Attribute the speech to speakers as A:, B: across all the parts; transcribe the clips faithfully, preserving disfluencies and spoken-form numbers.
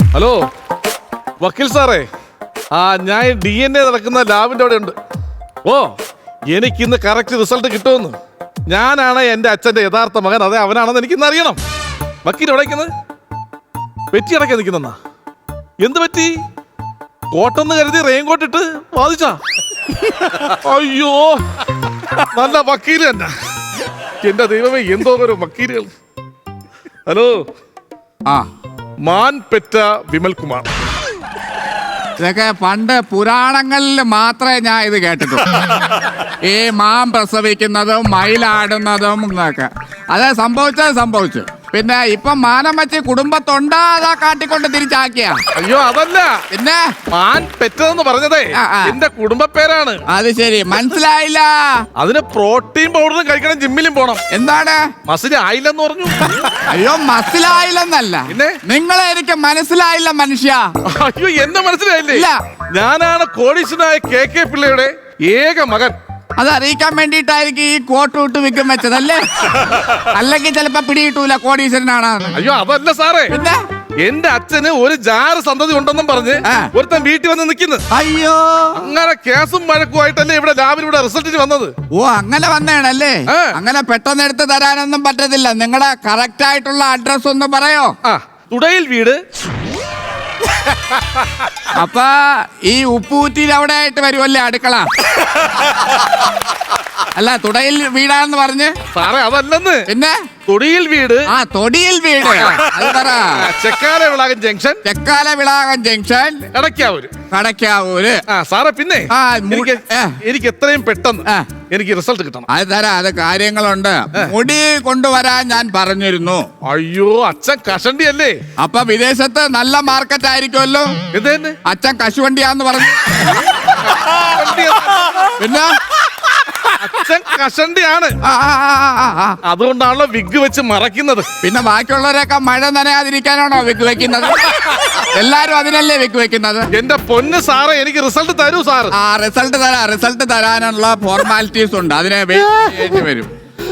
A: Hello വക്കീൽ സാറേ, ആ ഞാൻ ഡി എൻ എ നടക്കുന്ന ലാബിന്റെ അവിടെ ഉണ്ട്. ഓ എനിക്കിന്ന് കറക്റ്റ് റിസൾട്ട് കിട്ടുമെന്ന്. ഞാനാണ് എൻ്റെ അച്ഛൻ്റെ യഥാർത്ഥ മകൻ, അതെ അവനാണെന്ന് എനിക്കിന്ന് അറിയണം. വക്കീൽ എവിടേക്കുന്നത്? പെറ്റി അടയ്ക്കാൻ നിൽക്കുന്നെന്നാ? എന്ത് പറ്റി? കോട്ടെന്ന് കരുതി റെയിൻകോട്ട് ഇട്ട് വാദിച്ചാ? അയ്യോ നല്ല വക്കീൽ തന്നെ. എന്റെ ദൈവമേ, എന്തോ ഒരു വക്കീലുകൾ. ഹലോ,
B: ആ
A: മാൻ പെറ്റ വിമൽ കുമാർ.
B: ഇതൊക്കെ പണ്ട് പുരാണങ്ങളിൽ മാത്രമേ ഞാൻ ഇത് കേട്ടിട്ടുള്ളൂ. ഈ മാൻ പ്രസവിക്കുന്നതും മയിലാടുന്നതും എന്നൊക്കെ അത് സംഭവിച്ചത് സംഭവിച്ചു. പിന്നെ ഇപ്പൊ മാനം വെച്ച് കുടുംബത്തൊണ്ടാ അതാ കാട്ടിക്കൊണ്ട് തിരിച്ചാക്കിയ.
A: അയ്യോ അതല്ല,
B: പിന്നെ
A: മാൻ പെറ്റതെന്ന് പറഞ്ഞതേ
B: ആ, ആ.
A: എന്റെ കുടുംബ പേരാണ്.
B: അത് ശരി, മനസ്സിലായില്ല.
A: അതിന് പ്രോട്ടീൻ പൗഡറും കഴിക്കണം, ജിമ്മിലും പോണം.
B: എന്താണ്?
A: മസിൽ ആയില്ലെന്ന് പറഞ്ഞു.
B: അയ്യോ മനസ്സിലായില്ലെന്നല്ല,
A: പിന്നെ
B: നിങ്ങളെ എനിക്ക് മനസ്സിലായില്ല മനുഷ്യ.
A: അയ്യോ എന്നെ മനസ്സിലായില്ലേ?
B: ഇല്ല.
A: ഞാനാണ് കോടീശ്വരനായ കെ കെ പിള്ളയുടെ ഏക മകൻ.
B: അത് അറിയിക്കാൻ വേണ്ടിയിട്ടായിരിക്കും ഈ കോട്ട് വിട്ട് വിൽക്കും വെച്ചതല്ലേ? അല്ലെങ്കിൽ ചിലപ്പോ പിടികിട്ടൂല കോടീശ്വരനാണ്.
A: അയ്യോ അതല്ല സാറേ,
B: പിന്നെ
A: എന്റെ അച്ഛന് ഒരു ജാറ് സന്തതി ഉണ്ടെന്നും പറഞ്ഞ്
B: ആ.
A: ഒരുത്തൻ വീട്ടിൽ വന്ന് നിൽക്കുന്നു.
B: അയ്യോ,
A: അങ്ങനെ കേസും വഴക്കുമായിട്ടല്ലേ ഇവിടെ ലാബിൽ ഇവിടെ റിസൾട്ടിന് വന്നത്.
B: ഓ അങ്ങനെ വന്നേണല്ലേ?
A: ആ.
B: അങ്ങനെ പെട്ടെന്ന് എടുത്ത് തരാനൊന്നും പറ്റത്തില്ല. നിങ്ങളുടെ കറക്റ്റ് ആയിട്ടുള്ള അഡ്രസ് ഒന്ന് പറയോ?
A: ആ തുടയിൽ വീട്.
B: അപ്പൊ ഈ ഉപ്പൂറ്റിയിൽ അവിടെ ആയിട്ട് വരുമല്ലേ അടുക്കള? അല്ല, തുടയിൽ വീടാന്ന് പറഞ്ഞ്.
A: സാറേ അതല്ലെന്ന്,
B: പിന്നെ
A: തൊടിയിൽ വീട്.
B: ആ തൊടിയിൽ വീട് അത് പറ.
A: Chekkala Vilakan junction,
B: Chekkala Vilakan junction,
A: Kadakkavoor.
B: കടക്കാവൂര്.
A: ആ സാറേ, പിന്നെ
B: ആ, മു-
A: എനിക്ക്
B: ഏ.
A: എനിക്ക് എത്രയും പെട്ടെന്ന്
B: ആ.
A: എനിക്ക് റിസൾട്ട് കിട്ടണം.
B: അത് തരാം, അത് കാര്യങ്ങളുണ്ട്. മുടി കൊണ്ടുവരാൻ ഞാൻ പറഞ്ഞിരുന്നു.
A: അയ്യോ അച്ഛൻ കഷണ്ടി അല്ലേ?
B: അപ്പൊ വിദേശത്ത് നല്ല മാർക്കറ്റ് ആയിരിക്കുമല്ലോ.
A: ഇത് തന്നെ
B: അച്ഛൻ കശുവണ്ടിയാന്ന് പറഞ്ഞു. പിന്നെ
A: അച്ഛൻ കഷണ്ടിയാണ്,
B: ആ, ആ, ആ, ആ, ആ.
A: അതുകൊണ്ടാണല്ലോ വിഗ് വെച്ച് മറയ്ക്കുന്നത്.
B: പിന്നെ ബാക്കിയുള്ളവരൊക്കെ മഴ നനയാതിരിക്കാനാണോ വിഗ് വെക്കുന്നത്? എല്ലാരും അതിനല്ലേ വിഗ് വെക്കുന്നത്.
A: എന്റെ പൊന്ന് സാറേ, എനിക്ക് റിസൾട്ട് തരൂ സാർ.
B: ആ റിസൾട്ട് തരാ റിസൾട്ട് തരാനുള്ള ഫോർമാലിറ്റീസ് ഉണ്ട്, അതിനെ വെയിറ്റ് ചെയ്യേണ്ടി വരും.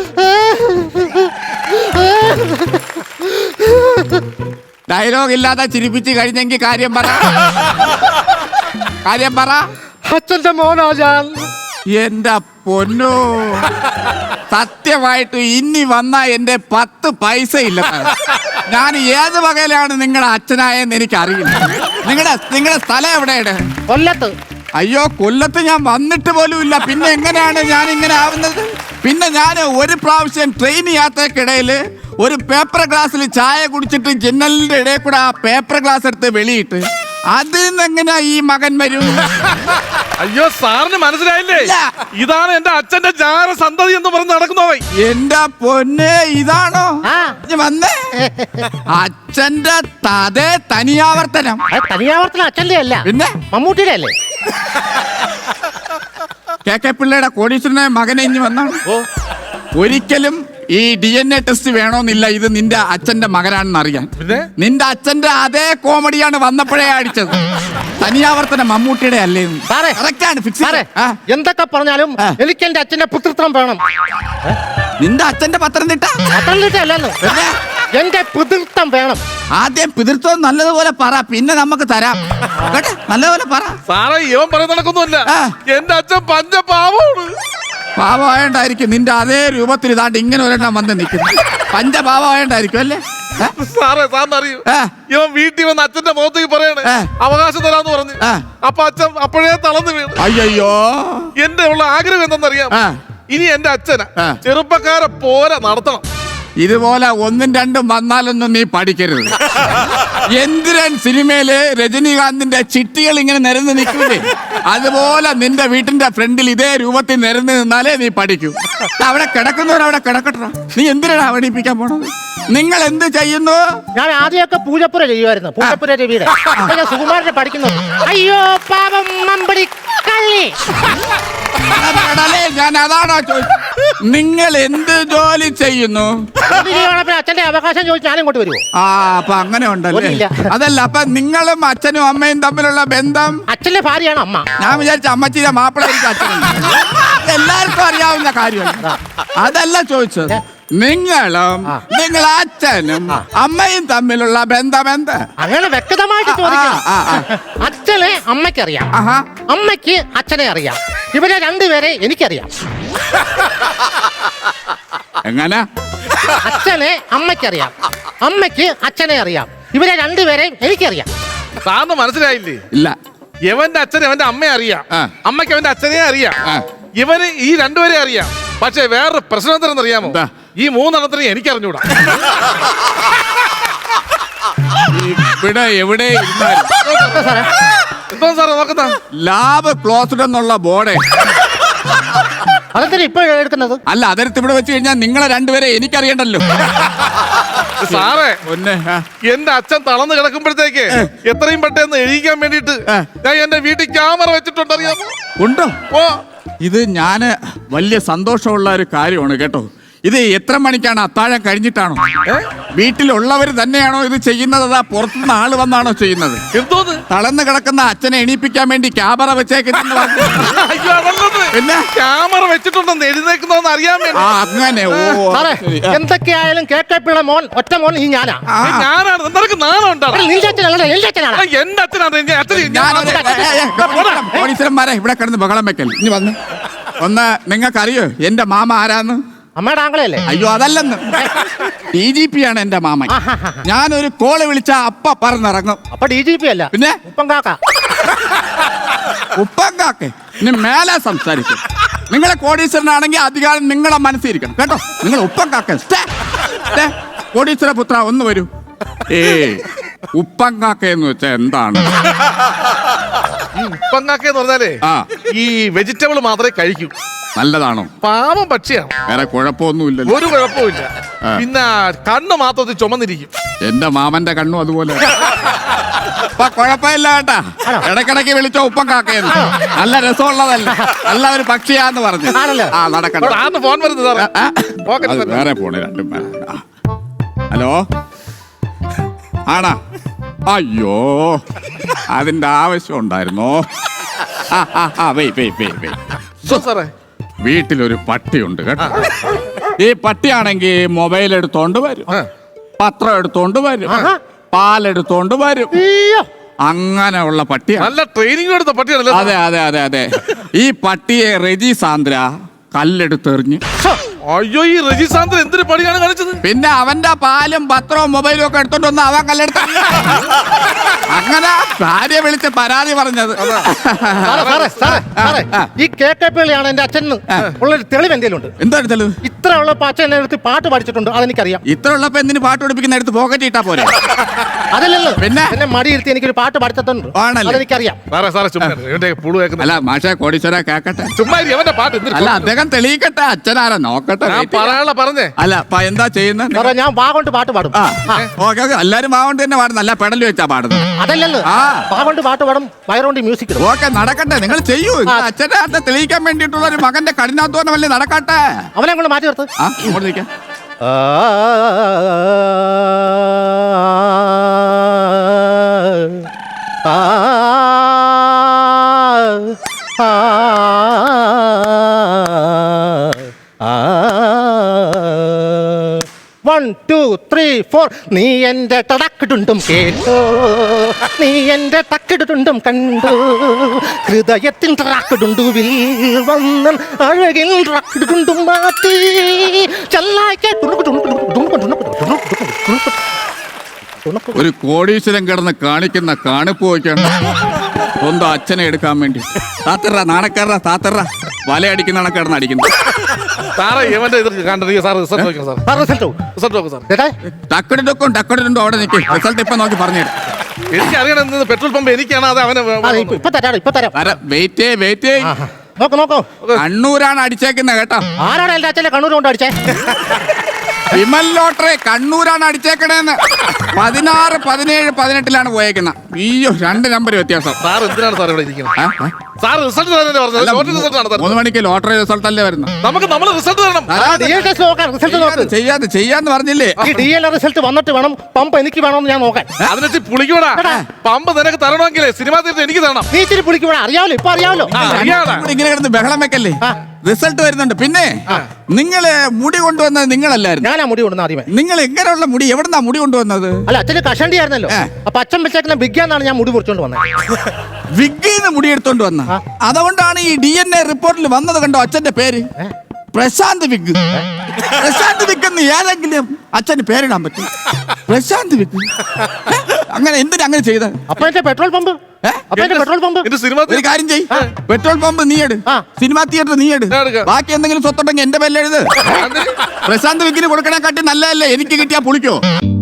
B: ഡയലോഗ് ഇല്ലാതെ ചിരിപ്പിച്ച് കഴിഞ്ഞെങ്കിൽ കാര്യം പറ, കാര്യം പറ.
A: അച്ഛന്റെ മോനാ ഞാൻ.
B: എന്റെ പൊന്നോ, സത്യമായിട്ട് ഇനി വന്ന എന്റെ പത്ത് പൈസ ഇല്ല. ഞാൻ ഏത് വകയിലാണ് നിങ്ങളുടെ അച്ഛനായെന്ന് എനിക്ക് അറിയില്ല. നിങ്ങളുടെ നിങ്ങളുടെ സ്ഥലം എവിടെയാണ്?
C: കൊല്ലത്ത്.
B: അയ്യോ കൊല്ലത്ത് ഞാൻ വന്നിട്ട് പോലും ഇല്ല. പിന്നെ എങ്ങനെയാണ് ഞാൻ ഇങ്ങനെ ആവുന്നത്? പിന്നെ ഞാൻ ഒരു പ്രാവശ്യം ട്രെയിൻ യാത്രക്കിടയിൽ ഒരു പേപ്പർ ഗ്ലാസ്സിൽ ചായ കുടിച്ചിട്ട് ജനലിന്റെ ഇടയിൽ കൂടെ ആ പേപ്പർ ഗ്ലാസ് എടുത്ത് വെളിയിട്ട് അതിൽ നിന്ന് എങ്ങനെയാ ഈ മകൻ വരൂ?
A: അയ്യോ സാറിന് മനസ്സിലായില്ലേ?
B: ഇല്ല.
A: ഇതാണ് എന്റെ അച്ഛന്റെ ജാര സന്തതി എന്ന് പറഞ്ഞ് നടക്കുന്നവൻ.
B: എന്റെ പൊന്നെ, ഇതാണോ
C: ആ.
B: ഇഞ്ഞ് വന്നേ? അച്ഛന്റെ തതേ തനിയാവർത്തനം.
C: അത് തനിയാവർത്തനം അച്ഛന്റെ അല്ല,
B: പിന്നെ
C: മമ്മൂട്ടിയുടെ അല്ലേ?
B: കെ കെ പിള്ളയുടെ കോടീശ്വരനായ മകനെ ഇഞ്ഞ് വന്നാണ്.
A: ഓ
B: ഒരിക്കലും ഈ ഡി എൻ എ ടെസ്റ്റ് വേണമെന്നില്ല, ഇത് നിന്റെ അച്ഛന്റെ മകനാണെന്ന് അറിയാൻ.
A: പിന്നെ
B: നിന്റെ അച്ഛന്റെ അതേ കോമഡിയാണ് വന്നപ്പോഴേ അടിച്ചത്. തനിയാവർത്തനം മമ്മൂട്ടിയുടെ അല്ലേ?
C: സാറേ,
B: കറക്റ്റാണ്, ഫിക്സ്.
C: സാറേ, എന്തൊക്കെ പറഞ്ഞാലും
B: ആ.
C: എനിക്ക് എന്റെ അച്ഛന്റെ പുത്രത്വം വേണം.
B: നിന്റെ അച്ഛന്റെ പത്തനംതിട്ട
C: പത്തനംതിട്ട അല്ലെന്ന്,
B: പിന്നെ
C: എന്റെ പിതൃത്വം വേണം.
B: ആദ്യം പിതൃത്വം നല്ലതുപോലെ പറ, പിന്നെ നമുക്ക് തരാം. കേട്ടെ, നല്ലതുപോലെ പറ.
A: സാറേ ഇവൻ പറയുന്ന നടക്കൊന്നുമല്ല.
B: ആ.
A: എന്റെ അച്ഛൻ പഞ്ചപാവമാണ്.
B: പാവമായോണ്ടായിരിക്കും നിന്റെ അതേ രൂപത്തിൽ ഇതാണ്ട് ഇങ്ങനെ ഒരെണ്ണം വന്ന് നിൽക്കുന്നു. പഞ്ചപാവമായോണ്ടായിരിക്കും അല്ലേ? ഏ?
A: സാറേ സാറിന് അറിയൂ,
B: ആ.
A: ഇവൻ വീട്ടിൽ വന്ന് അച്ഛന്റെ മുഖത്തേക്ക് പറയണേ
B: ആ.
A: അവകാശം തരാന്ന് പറഞ്ഞു.
B: ആ.
A: അപ്പൊ അച്ഛൻ അപ്പോഴേ തളർന്നു വീണു.
B: അയ്യോ,
A: എന്റെ ഉള്ള ആഗ്രഹം എന്തെന്നറിയാം?
B: ആ.
A: ഇനി എന്റെ അച്ഛനെ
B: ആ.
A: ചെറുപ്പക്കാരെ പോലെ നടത്തണം.
B: ഇതുപോലെ ഒന്നും രണ്ടും വന്നാലൊന്നും നീ പഠിക്കരുത്. എന്തിരൻ സിനിമയില് രജനീകാന്തിന്റെ ചിട്ടികൾ ഇങ്ങനെ നിരന്ന് നിൽക്കൂലേ, അതുപോലെ നിന്റെ വീട്ടിന്റെ ഫ്രണ്ടിൽ ഇതേ രൂപത്തിൽ നിരന്ന് നിന്നാലേ നീ പഠിക്കൂ. അവിടെ കിടക്കുന്നവരവിടെ കിടക്കട്ടോ. നീ എന്തിനാണ് അവടിപ്പിക്കാൻ പോണത്? നിങ്ങൾ എന്ത് ചെയ്യുന്നു?
C: ഞാൻ ആദ്യമൊക്കെ പൂജപ്പുര ചെയ്യുമായിരുന്നു, പൂജപ്പുര രവിയുടെ. ഞാൻ സുകുമാരനെ പഠിക്കുന്നു. അയ്യോ പാപം മമ്പടി കള്ളി.
B: കടലേ, ഞാൻ അതാണോ ചോദിച്ചത്? നിങ്ങൾ എന്ത് ജോലി ചെയ്യുന്നു?
C: അച്ഛന്റെ അവകാശം ചോദിച്ചു ഞാൻ ഇങ്ങോട്ട് വരുമോ?
B: ആ അപ്പൊ അങ്ങനെ ഉണ്ടല്ലേ?
C: ഇല്ല.
B: അതല്ല, അപ്പൊ നിങ്ങളും അച്ഛനും അമ്മയും തമ്മിലുള്ള ബന്ധം?
C: അച്ഛന്റെ ഭാര്യയാണ് അമ്മ.
B: ഞാൻ വിചാരിച്ച അമ്മച്ചിയുടെ മാപ്പിള എനിക്ക് അച്ഛനുണ്ട്. എല്ലാവർക്കും അറിയാവുന്ന കാര്യമല്ല, അതല്ല ചോദിച്ചത്. നിങ്ങളും നിങ്ങൾ അച്ഛനും അമ്മയും തമ്മിലുള്ള ബന്ധം എന്ത്?
C: അങ്ങനെ വ്യക്തമായിട്ട് ചോദിക്കണം.
B: ആ, ആ,
C: അച്ഛനെ അമ്മയ്ക്കറിയാം,
B: ആഹാ.
C: അമ്മയ്ക്ക് അച്ഛനെ അറിയാം. ഇവരെ രണ്ടുപേരെ എനിക്കറിയാം.
B: എങ്ങനെ?
C: അച്ഛനെ അമ്മയ്ക്കറിയാം, അമ്മയ്ക്ക് അച്ഛനെ അറിയാം. ഇവരെ രണ്ടുപേരെയും എനിക്കറിയാം.
A: സാറിന് മനസ്സിലായില്ലേ?
B: ഇല്ല.
A: ഇവന്റെ അച്ഛനെ അവന്റെ അമ്മയെ അറിയാം,
B: ആ.
A: അമ്മയ്ക്ക് അവന്റെ അച്ഛനെ അറിയാം.
B: ആ.
A: ഇവന് ഈ രണ്ടുപേരെ അറിയാം. പക്ഷെ വേറൊരു പ്രശ്നം എന്താണെന്ന് അറിയാമോ?
B: എന്താ?
A: ഈ മൂന്നെണ്ണത്തിന് എനിക്ക് അറിഞ്ഞൂടാ.
B: ഇവിടെ എവിടെ ഇരുന്നാലും
C: സാറേ,
A: എന്തോ സാറേ നോക്കുന്ന
B: ലാബ് ക്ലോസ്ഡ് എന്നുള്ള ബോർഡ്.
C: അതെന്തിനാ ഇപ്പൊ എടുക്കുന്നത്?
B: അല്ല, അതെടുത്ത് ഇവിടെ വെച്ച് കഴിഞ്ഞാൽ നിങ്ങളെ രണ്ടുപേരെ എനിക്കറിയണ്ടല്ലോ.
A: സാറേ,
B: ഒന്നെ
A: എന്റെ അച്ഛൻ തളർന്ന് കിടക്കുമ്പോഴത്തേക്ക് എത്രയും പെട്ടെന്ന് എഴുതിക്കാൻ വേണ്ടിട്ട് ഞാൻ എന്റെ വീട്ടിൽ ക്യാമറ വെച്ചിട്ടുണ്ട്, അറിയാമോ?
B: ഉണ്ടോ?
A: ഓ,
B: ഇത് ഞാന് വലിയ സന്തോഷമുള്ള ഒരു കാര്യമാണ് കേട്ടോ. ഇത് എത്ര മണിക്കാണ്? അത്താഴം കഴിഞ്ഞിട്ടാണോ? വീട്ടിലുള്ളവർ തന്നെയാണോ ഇത് ചെയ്യുന്നത്? അതാ പുറത്തുനിന്ന് ആള് വന്നാണോ ചെയ്യുന്നത്?
A: എന്തോന്ന്?
B: തളർന്ന് കിടക്കുന്ന അച്ഛനെ എണീപ്പിക്കാൻ വേണ്ടി ക്യാമറ വെച്ചേക്കുന്ന
A: അയ്യോ, അതല്ലത്.
B: പിന്നെ
A: ക്യാമറ വെച്ചിട്ടുണ്ടെന്ന് എഴുന്നേക്കുന്നോന്ന് അറിയാൻ വേണ്ടി.
B: ആ, അങ്ങനെ. ഓ,
C: സാറേ,
B: ശരി.
C: എന്തൊക്കെയായാലും കെ കെ പിള്ള മോൻ ഒറ്റ മോൻ ഈ ഞാനാ.
B: ആ,
A: ഏയ്, ഞാനാണ്. നിനക്ക് നാണം ഉണ്ടാണ്.
C: നിന്റെ അച്ഛനല്ല, എന്റെ അച്ഛനാണ്.
A: എന്റെ അച്ഛനാണ്. എന്റെ അച്ഛൻ
B: ഞാനൊരു- ഏ, ഏ, ഏ, പോലീസുകാരന്മാരെ ഇവിടെ കിടന്ന് ബഹളം വെക്കൽ. ഇനി വന്ന് ഒന്ന് നിങ്ങൾക്കറിയോ എന്റെ മാമ ആരാന്ന്?
C: അമ്മയുടെ ആംഗളയല്ലേ?
B: അയ്യോ, അതല്ലെന്ന്. ഡി ജി പി ആണ് എന്റെ മാമൻ. ഞാനൊരു കോള് വിളിച്ച അപ്പ പറന്നിറങ്ങും.
C: അപ്പൊ ഡി ജി പി അല്ല,
B: പിന്നെ
C: ഉപ്പം കാക്ക.
B: ഉപ്പങ്കാക്കെ ഇനി മേലെ സംസാരിക്കും. നിങ്ങളെ കോടീശ്വരനാണെങ്കിൽ അധികാരം നിങ്ങളെ മനസ്സിരിക്കണം കേട്ടോ. നിങ്ങൾ ഉപ്പങ്കാക്ക. കോടീശ്വര പുത്ര ഒന്ന് വരൂ. ഏ ഉപ്പങ്കാക്ക എന്ന് വെച്ചാ എന്താണ്?
A: ഉപ്പങ്ങാക്കെന്ന് പറഞ്ഞാലേ
B: ആ,
A: ഈ വെജിറ്റബിൾ മാത്രമേ കഴിക്കൂ.
B: നല്ലതാണോ?
A: പാവം പക്ഷിയാണ്,
B: വേറെ കുഴപ്പമൊന്നുമില്ലല്ലോ.
A: ഒരു കുഴപ്പമില്ല. പിന്നെ കണ്ണ് മാത്രം ചുമന്നിരിക്കും.
B: എന്റെ മാമന്റെ കണ്ണും അതുപോലെ. അപ്പൊ കുഴപ്പമില്ല കേട്ടാ. ഇടക്കിടക്ക് വിളിച്ചോ ഉപ്പം കാക്കയെന്ന്. നല്ല രസമുള്ളതല്ല, നല്ല ഒരു പക്ഷിയാന്ന് പറഞ്ഞു.
C: ആണല്ലോ.
B: ആ, നടക്കട്ടെ.
A: ആന്ന് ഫോൺ വരുന്നത് സാറേ.
B: ആ,
A: പോക്കറ്റിൽ
B: അത്
A: തന്നെ.
B: വേറെ പോണേ രണ്ടും പേരെ. ആ. ഹലോ, ആണാ? അയ്യോ, അതിന്റെ ആവശ്യം ഉണ്ടായിരുന്നോ? ആ ആ ആ വെയ് വെയ് വെയ് വെയ്
A: സോ സാറേ,
B: വീട്ടിലൊരു പട്ടിയുണ്ട് കേട്ടോ. ഈ പട്ടിയാണെങ്കിൽ മൊബൈൽ എടുത്തോണ്ട് വരും,
A: ആ.
B: പത്രം എടുത്തോണ്ട് വരും, പാലെടുത്തോണ്ട് വരും.
C: അയ്യോ,
B: അങ്ങനെയുള്ള പട്ടിയാണ്.
A: നല്ല ട്രെയിനിങ് എടുത്ത പട്ടിയാണല്ലോ.
B: അതെ അതെ അതെ അതെ. ഈ പട്ടിയെ റെജി സാന്ദ്ര കല്ലെടുത്തെറിഞ്ഞ്.
A: അയ്യോ, ഈ രജിസാന്തൻ എന്തൊരു പണിയാണ് കാണിച്ചത്?
B: പിന്നെ അവന്റെ പാലും പത്രവും മൊബൈലും ഒക്കെ എടുത്തോണ്ട് വന്ന് അവൻ കല്ലെടുത്ത. അങ്ങനെ ഭാര്യ വിളിച്ച് പരാതി പറഞ്ഞത്.
C: സാറേ, സാറേ, സാറേ, സാറേ, ഈ കെ കെ പിള്ളയാണ് എന്റെ അച്ഛൻ ഉള്ളൊരു തെളിവ് എന്തെങ്കിലും ഉണ്ട്?
B: എന്താണ് തെളിവ്?
C: ഇത്ര ഉള്ളപ്പോ അച്ഛൻ എന്നെ എടുത്ത് പാട്ട് പഠിച്ചിട്ടുണ്ട്, അതെനിക്കറിയാം.
B: ഇത്ര ഉള്ളപ്പോ എന്തിന് പാട്ട് പഠിപ്പിക്കുന്ന എടുത്ത് പോക്കറ്റ് ഇട്ടാ പോരെ?
C: അതല്ലല്ലോ,
B: പിന്നെ?
C: എന്നെ മടി ഇരുത്തി എനിക്കൊരു പാട്ട് പഠിച്ചിട്ടുണ്ട്,
B: ആണല്ലേ?
C: അതെനിക്കറിയാം.
A: സാറേ സാറേ ചുമ്മാ ഇരി. ഇവന്റെ പുളു കേൾക്കുന്ന
B: അല്ല മാഷെ കോടീശ്വര കേക്കട്ടെ.
A: ചുമ്മാ ഇരി. അവന്റെ പാട്ട് എന്തൊരു
B: അല്ല അദ്ദേഹം തെളിയിക്കട്ടെ. അച്ഛനാരാ നോക്കട്ടെ.
A: ഞാൻ
B: wait ചെയ്യാം.
A: പറയാനുള്ള പറഞ്ഞേ.
B: അല്ല അപ്പൊ എന്താ ചെയ്യുന്നത്?
C: സാറേ, ഞാൻ വാ കൊണ്ട് പാട്ട് പാടും.
B: ആ ഓക്കെ ഓക്കെ. എല്ലാരും മാവണ്ട് തന്നെ പാടുന്നു. അല്ല പെടല് വെച്ചാ പാടുന്നത്.
C: അതല്ലല്ലോ,
B: ആ.
C: വാ കൊണ്ട് പാട്ട് പാടും, വയറുകൊണ്ട് മ്യൂസിക് ഇടും.
B: ഓക്കെ നടക്കട്ടെ. നിങ്ങൾ ചെയ്യൂ. അച്ഛന്റെ അർത്ഥം തെളിയിക്കാൻ വേണ്ടിയിട്ടുള്ള ഒരു മകന്റെ കഠിനാധ്വാനമല്ലേ നടക്കട്ടെ.
C: അവനെ കൊണ്ട് മാറ്റി നിർത്ത്.
B: ആ ഇങ്ങോട്ട് നിൽക്കാം.
C: ആ, ആ, ആ, ആ. One two three four. നീ എന്റെ ടടക്കിടുണ്ടും കേട്ടോ, നീ എന്റെ ടക്കിടുണ്ടും കണ്ടു, ഹൃദയത്തിൻ ടറാക്കിടുണ്ടുവിൽ വന്ന് അഴകിൽ ടക്കിടുണ്ടും മാറ്റി ചെല്ലായിക്കെ
B: ഒരു കോടീശ്വരൻ കിടന്ന് കാണിക്കുന്ന കാണിപ്പ് വയ്ക്കാണ് സ്വന്തം അച്ഛനെ എടുക്കാൻ വേണ്ടി. താത്തറ നാണക്കാരറ താത്തറ വലയടിക്കുന്ന കിടന്ന് അടിക്കുന്നു.
A: സാറേ ഇവന്റെ ഇത് കണ്ടിരിക്കുക. സാർ റിസൾട്ട് നോക്കണം. സാർ
C: റിസൾട്ട്
A: റിസൾട്ട് നോക്കും സാർ.
C: ചേട്ടാ,
B: ടക്കടിടക്കും ടക്കടിടുണ്ടോ അവിടെ നിൽക്കും. റിസൾട്ട് ഇപ്പൊ നോക്കി പറഞ്ഞുതരാം.
A: എനിക്കറിയണം ഇന്ന് പെട്രോൾ പമ്പ് എനിക്കാണ് അത് അവനെ
C: അതെ, ഇപ്പൊ ഇപ്പൊ തരാം, ഇപ്പൊ തരാം.
B: Wait wait.
C: നോക്ക് നോക്കോ,
B: കണ്ണൂരാണ് അടിച്ചേക്കുന്നത് കേട്ടോ.
C: ആരാണ് എന്റെ അച്ഛനെ കണ്ണൂർ കൊണ്ട് അടിച്ചേ?
B: വിമൽ ലോട്ടറി കണ്ണൂരാണ് അടിച്ചേക്കണേന്ന്. പതിനാറ് പതിനേഴ് പതിനെട്ടിലാണ് പോയേക്കുന്നത്. അയ്യോ, രണ്ട് നമ്പർ വ്യത്യാസം.
A: സാർ എന്തിനാണ് സാർ ഇവിടെ ഇരിക്കുന്നത്?
B: ആ, ആ.
A: സാർ റിസൾട്ട് തരാനല്ലേ പറഞ്ഞത്? ലോട്ടറി റിസൾട്ട് ആണ് സാർ.
B: മൂന്ന് മണിക്ക് ലോട്ടറി റിസൾട്ട് അല്ലേ വരുന്നത്?
A: നമുക്ക് നമ്മൾ റിസൾട്ട് തരണം.
C: ഡി എൽ ടെസ്റ്റ് നോക്കാൻ, റിസൾട്ട് നോക്ക്.
B: ചെയ്യാതെ ചെയ്യാന്ന് പറഞ്ഞില്ലേ?
C: ഈ ഡി എൽ റിസൾട്ട് വന്നിട്ട് വേണം പമ്പ് എനിക്ക് വേണമെന്ന് ഞാൻ നോക്കാൻ.
A: അതിനെച്ച് പുളിക്കൂടാ. പമ്പ് നിനക്ക് തരണമെങ്കിലേ സിനിമ തീർത്ത് എനിക്ക് തരണം.
C: നീ ഇച്ചിരി പിടിക്കൂടാ, അറിയാമല്ലോ, ഇപ്പൊ അറിയാമല്ലോ.
A: ആ, അറിയാതെ.
B: ഇങ്ങനെ കിടന്ന് ബഹളം വെക്കല്ലേ. റിസൾട്ട് വരുന്നുണ്ട്. പിന്നെ നിങ്ങള് മുടി കൊണ്ടുവന്നത് നിങ്ങളല്ലായിരുന്നു.
C: ഞാനാ മുടി കൊണ്ടുവന്ന ആദ്യമേ.
B: നിങ്ങൾ എങ്ങനെയുള്ള മുടി, എവിടുന്നാ മുടി കൊണ്ടുവന്നത്?
C: അല്ല, അച്ഛന് കഷണ്ടി ആയിരുന്നല്ലോ. അപ്പൊ അച്ഛൻ വെച്ചേക്കുന്ന ബിഗ്ഗാന്നാണ് ഞാൻ മുടി മുറിച്ചോണ്ട് വന്നത്.
B: വിഗ്ഗിന്ന് മുടി എടുത്തോണ്ട് വന്ന. അതുകൊണ്ടാണ് ഈ ഡി എൻ എ റിപ്പോർട്ടിൽ വന്നത്. കണ്ടോ അച്ഛന്റെ പേര് പ്രശാന്ത് വിഗ്. പ്രശാന്ത് വിഗ് എന്ന് ഏതെങ്കിലും അച്ഛന് പേരിടാൻ പറ്റും? പ്രശാന്ത് വിഗ് അങ്ങനെ എന്തിനാ അങ്ങനെ ചെയ്ത?
C: അപ്പൊ എന്റെ പെട്രോൾ പമ്പ് അപ്പൊ എന്റെ പെട്രോൾ പമ്പ്
A: എന്റെ സിനിമ
B: ഒരു കാര്യം ചെയ്, പെട്രോൾ പമ്പ് നീ എടു,
C: ആ.
B: സിനിമാ തിയേറ്റർ നീ എടു,
A: ഞാൻ എടുക്കാം.
B: ബാക്കി എന്തെങ്കിലും സ്വത്തുണ്ടെങ്കിൽ എന്റെ പേരിൽ എഴുത്. പ്രശാന്ത് വിഗിന് കൊടുക്കണേ കാട്ടി നല്ലതല്ലേ എനിക്ക് കിട്ടിയാ പുളിക്കോ?